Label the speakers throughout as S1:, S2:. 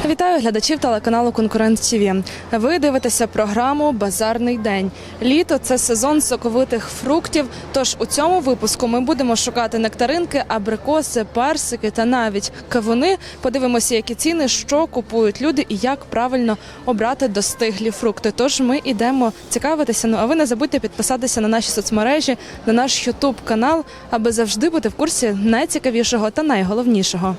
S1: Вітаю глядачів телеканалу «Конкурент ТВ». Ви дивитеся програму «Базарний день». Літо – це сезон соковитих фруктів, тож у цьому випуску ми будемо шукати нектаринки, абрикоси, персики та навіть кавуни. Подивимося, які ціни, що купують люди і як правильно обрати достиглі фрукти. Тож ми йдемо цікавитися. Ну а ви не забудьте підписатися на наші соцмережі, на наш YouTube-канал, аби завжди бути в курсі найцікавішого та найголовнішого.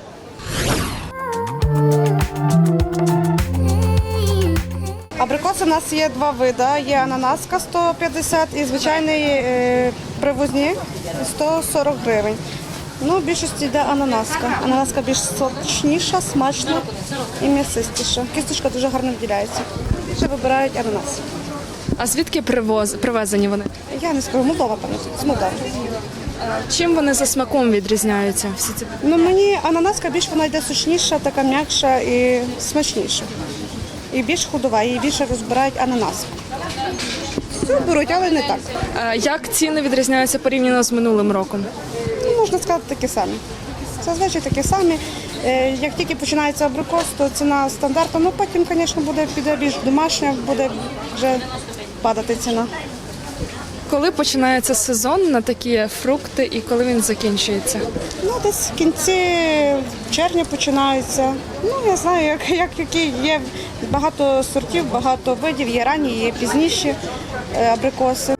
S2: Абрикоси у нас є два види. Є ананаска 150 і звичайний привозні 140 гривень. Ну, в більшості йде ананаска. Ананаска більш сочніша, смачна і м'ясистіша. Кісточка дуже гарно виділяється. Більше вибирають ананас.
S1: А звідки привезені вони?
S2: Я не скажу, Молдова, певно, з Молдови.
S1: Чим вони за смаком відрізняються?
S2: Ну, мені ананаска більш вона йде сочніша, така м'якша і смачніша. І більш худова, і більше розбирають ананас. Все беруть, але не так.
S1: Як ціни відрізняються порівняно з минулим роком?
S2: Ну, можна сказати, такі самі. Зазвичай такі самі. Як тільки починається абрикос, то ціна стандартна. Ну, потім, звісно, піде більш домашня, буде вже падати ціна.
S1: Коли починається сезон на такі фрукти і коли він закінчується?
S2: Ну, десь в кінці червня починаються. Ну, я знаю, які є багато сортів, багато видів, є ранні, є пізніші абрикоси.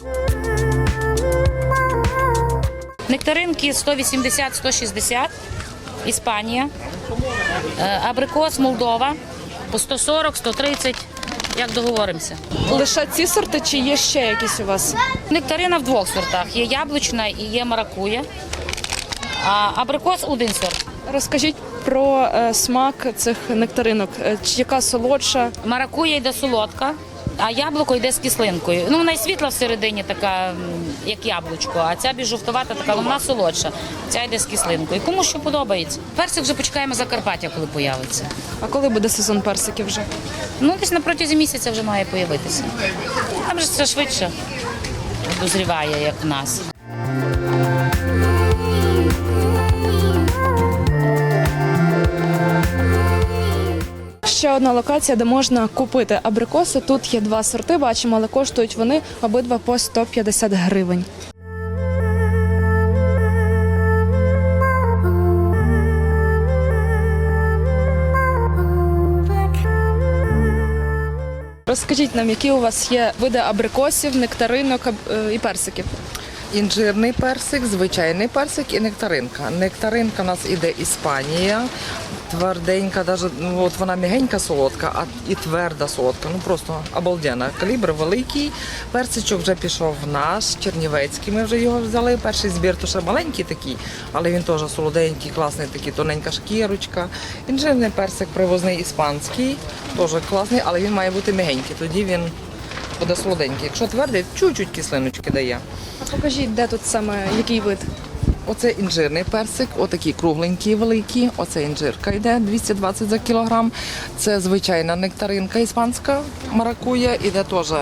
S3: Нектаринки 180-160, Іспанія. Абрикос Молдова по 140-130, як договоримося.
S1: Лише ці сорти чи є ще якісь у вас?
S3: Нектарина в двох сортах. Є яблучна і є маракуя. А абрикос один сорт.
S1: Розкажіть про смак цих нектаринок. Яка солодша?
S3: Маракуя йде солодка, а яблуко йде з кислинкою. Ну, вона й світла всередині така, як яблучко, а ця більш жовтувата така, вона солодша. Ця йде з кислинкою. Кому що подобається. Персик вже почекаємо Закарпаття, коли появиться.
S1: А коли буде сезон персиків вже?
S3: Ну, десь на протязі місяця вже має появитися. Там же це швидше дозріває, як в нас.
S1: Ще одна локація, де можна купити абрикоси. Тут є два сорти, бачимо, але коштують вони обидва по 150 гривень. Розкажіть нам, які у вас є види абрикосів, нектаринок і персиків?
S4: Інжирний персик, звичайний персик і нектаринка. Нектаринка у нас іде Іспанія, тверденька, от вона м'ягенька солодка, і тверда солодка, ну просто обалденна. Калібр великий, персичок вже пішов наш, чернівецький, ми вже його взяли. Перший збір, то ще маленький такий, але він теж солоденький, класний, такий, тоненька шкірочка. Інжирний персик привозний іспанський, теж класний, але він має бути м'ягенький, тоді він буде солоденький. Якщо твердий, чуть-чуть кислиночки дає.
S1: А покажіть, де тут саме, який вид?
S4: Оце інжирний персик, отакий кругленький, великий. Оце інжирка йде 220 за кілограм. Це звичайна нектаринка іспанська, маракуя, іде теж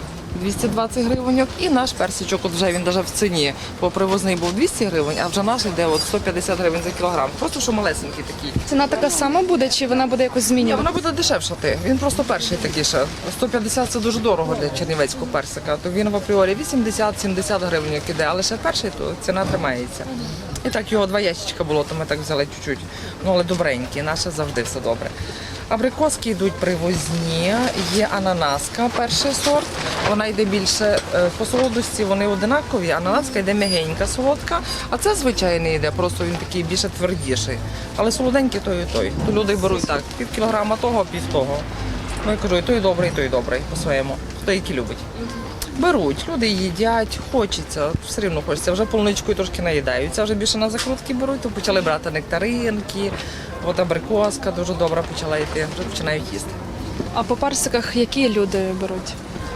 S4: 220 гривень. І наш персичок, от вже він навіть в ціні, бо привозний був 200 гривень, а вже наш йде 150 гривень за кілограм. Просто що малесенький такий.
S1: Ціна така сама буде чи вона буде якось
S4: Ні,
S1: змінювати?
S4: вона буде дешевшати. Він просто перший такий ще. 150 – це дуже дорого для чернівецького персика. То він в апріорі 80-70 гривень іде, але ще перший, то ціна тримається. І так його два ящичка було, то ми так взяли чуть-чуть. Ну, але добренькі, наше завжди все добре. Абрикоски йдуть привозні, є ананаска, перший сорт. Вона йде більше по солодості, вони одинакові. Ананаска йде м'ягенька, солодка, а це звичайний йде, просто він такий більше твердіший. Але солоденький той і той. То люди беруть так, пів кілограма того, пів того. Ну, я кажу, і той добрий по-своєму, хто який любить. Беруть, люди їдять, хочеться, все рівно хочеться. Вже полуничкою трошки наїдаються, вже більше на закрутки беруть, то почали брати нектаринки, от абрикоска дуже добра почала йти, вже починають їсти.
S1: А по персиках які люди беруть?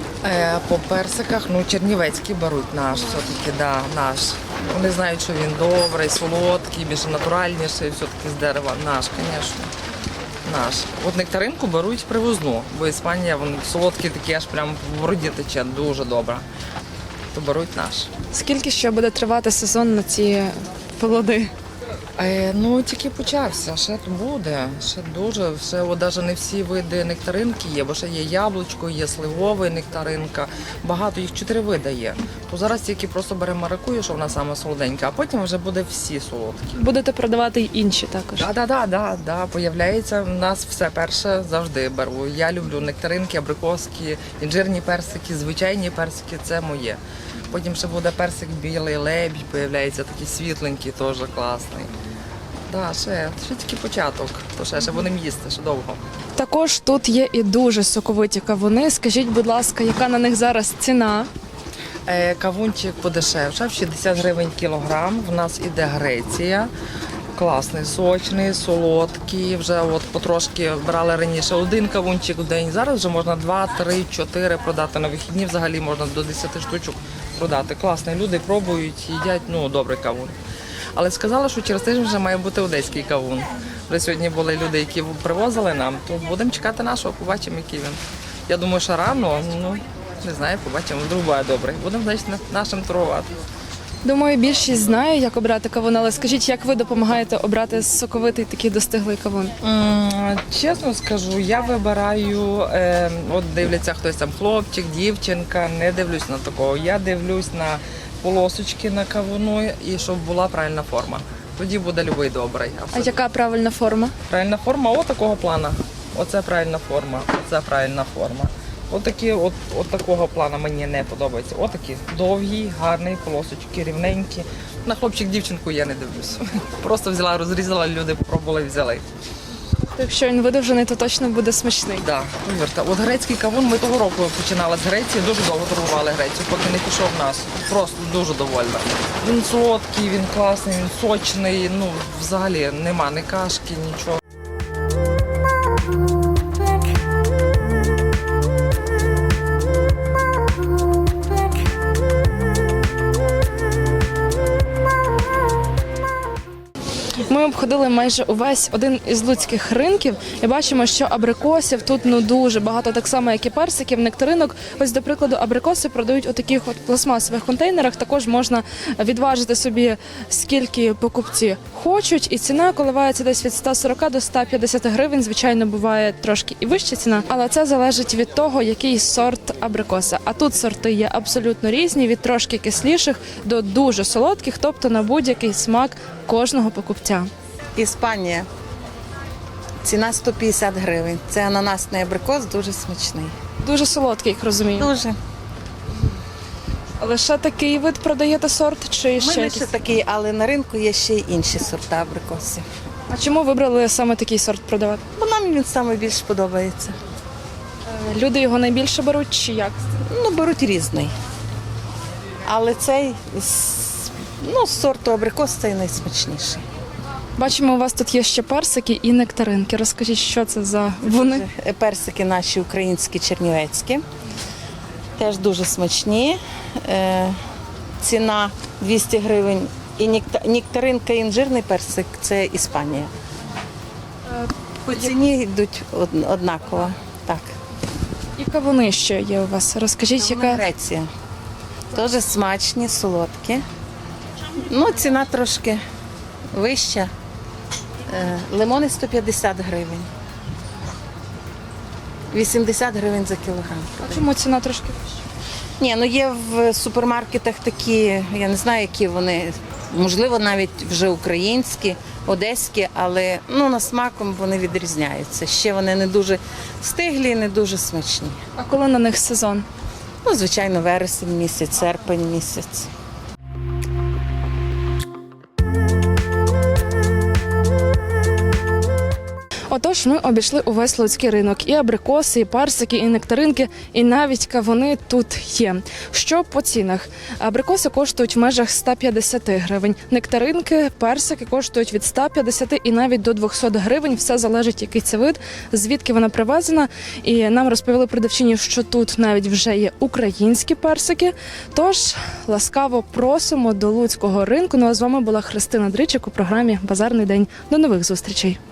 S4: По персиках, ну, чернівецький беруть наш, все-таки, да, наш. Вони знають, що він добрий, солодкий, більше натуральніший, все-таки з дерева. Наш, звісно. Наш. От нектаринку беруть привозну, бо Іспанія, вони солодкі такі, аж прямо в роді тече, дуже добре. То беруть наш.
S1: Скільки ще буде тривати сезон на ці плоди?
S4: Ну, тільки почався, ще буде, ще дуже, ще от навіть не всі види нектаринки є, бо ще є яблучко, є сливовий нектаринка, багато, їх 4 види є. То зараз тільки просто беремо маракую, що вона саме солоденька, а потім вже буде всі солодкі.
S1: Будете продавати й інші також.
S4: Да, появляється, в нас все перше завжди беру. Я люблю нектаринки, абрикоски, інжирні персики, звичайні персики, це моє. Потім ще буде персик білий, лебідь, появляється такий світленький, теж класний. Да, ще тільки початок, то ще будемо їсти, ще довго.
S1: Також тут є і дуже соковиті кавуни. Скажіть, будь ласка, яка на них зараз ціна?
S4: Кавунчик подешевшав, 60 гривень кілограм. В нас іде Греція. Класний, сочний, солодкий. Вже от потрошки брали раніше 1 кавунчик в день. Зараз вже можна 2, 3, 4 продати. На вихідні взагалі можна до 10 штучок продати. Класний, люди пробують, їдять, добрий кавун. Але сказали, що через тиждень вже має бути одеський кавун. Вже сьогодні були люди, які привозили нам, то будемо чекати нашого, побачимо, який він. Я думаю, що рано, не знаю, побачимо, вдруг буде добрий. Будемо, значить, нашим торгувати.
S1: Думаю, більшість знає, як обрати кавун, але скажіть, як ви допомагаєте обрати соковитий такий достиглий кавун?
S4: Чесно скажу, я вибираю, от дивляться хтось там хлопчик, дівчинка, не дивлюсь на такого. Я дивлюсь на полосочки на кавуну і щоб була правильна форма. Тоді буде любий добрий.
S1: А яка правильна форма?
S4: Правильна форма такого плана. Оце правильна форма, оце правильна форма. Отакі, от такого плану мені не подобається. Отакі довгі, гарні полосочки, рівненькі. На хлопчик-дівчинку я не дивлюсь. Просто взяла, розрізала, люди попробували, взяли.
S1: Якщо він видовжений, то точно буде смачний.
S4: Так, повірте. От грецький кавун ми того року починали з Греції, дуже довго торгували Грецію, поки не пішов в нас. Просто дуже довольна. Він солодкий, він класний, він сочний, взагалі нема ні кашки, нічого.
S1: Ми обходили майже увесь один із луцьких ринків і бачимо, що абрикосів тут дуже багато, так само, як і персиків, нектаринок. Ось, до прикладу, абрикоси продають у таких от пластмасових контейнерах. Також можна відважити собі, скільки покупці хочуть. І ціна коливається десь від 140 до 150 гривень. Звичайно, буває трошки і вища ціна, але це залежить від того, який сорт абрикоса. А тут сорти є абсолютно різні, від трошки кисліших до дуже солодких, тобто на будь-який смак кожного покупця.
S5: Іспанія. Ціна 150 гривень. Це ананасний абрикос, дуже смачний.
S1: Дуже солодкий, як розумію.
S5: Дуже.
S1: Лише такий вид продаєте сорт чи
S5: У
S1: ще
S5: мене
S1: якісь?
S5: ще такий, але на ринку є ще й інші сорта абрикосів.
S1: А чому вибрали саме такий сорт продавати?
S5: Бо нам він саме більш подобається.
S1: Люди його найбільше беруть чи як?
S5: Беруть різний. Але цей з сорту абрикос цей найсмачніший.
S1: Бачимо, у вас тут є ще персики і нектаринки. Розкажіть, що це за вони?
S5: Персики наші українські, чернівецькі. Теж дуже смачні. Ціна 200 гривень. І нектаринка, і інжирний персик – це Іспанія. По ціні йдуть однаково. Так.
S1: І кавуни ще є у вас. Розкажіть, яка
S5: Греція. Теж смачні, солодкі. Ціна трошки вища. Лимони 150 гривень. 80 гривень за кілограм.
S1: А чому ціна трошки вища?
S5: Ні, є в супермаркетах такі, я не знаю, які вони, можливо, навіть вже українські, одеські, але на смаком вони відрізняються. Ще вони не дуже стиглі, не дуже смачні.
S1: А коли на них сезон?
S5: Звичайно, вересень місяць, серпень місяць.
S1: Отож, ми обійшли увесь луцький ринок. І абрикоси, і персики, і нектаринки, і навіть кавуни тут є. Що по цінах? Абрикоси коштують в межах 150 гривень. Нектаринки, персики коштують від 150 і навіть до 200 гривень. Все залежить, який це вид, звідки вона привезена. І нам розповіли продавчині, що тут навіть вже є українські персики. Тож, ласкаво просимо до луцького ринку. Ну а з вами була Христина Дричик у програмі «Базарний день». До нових зустрічей.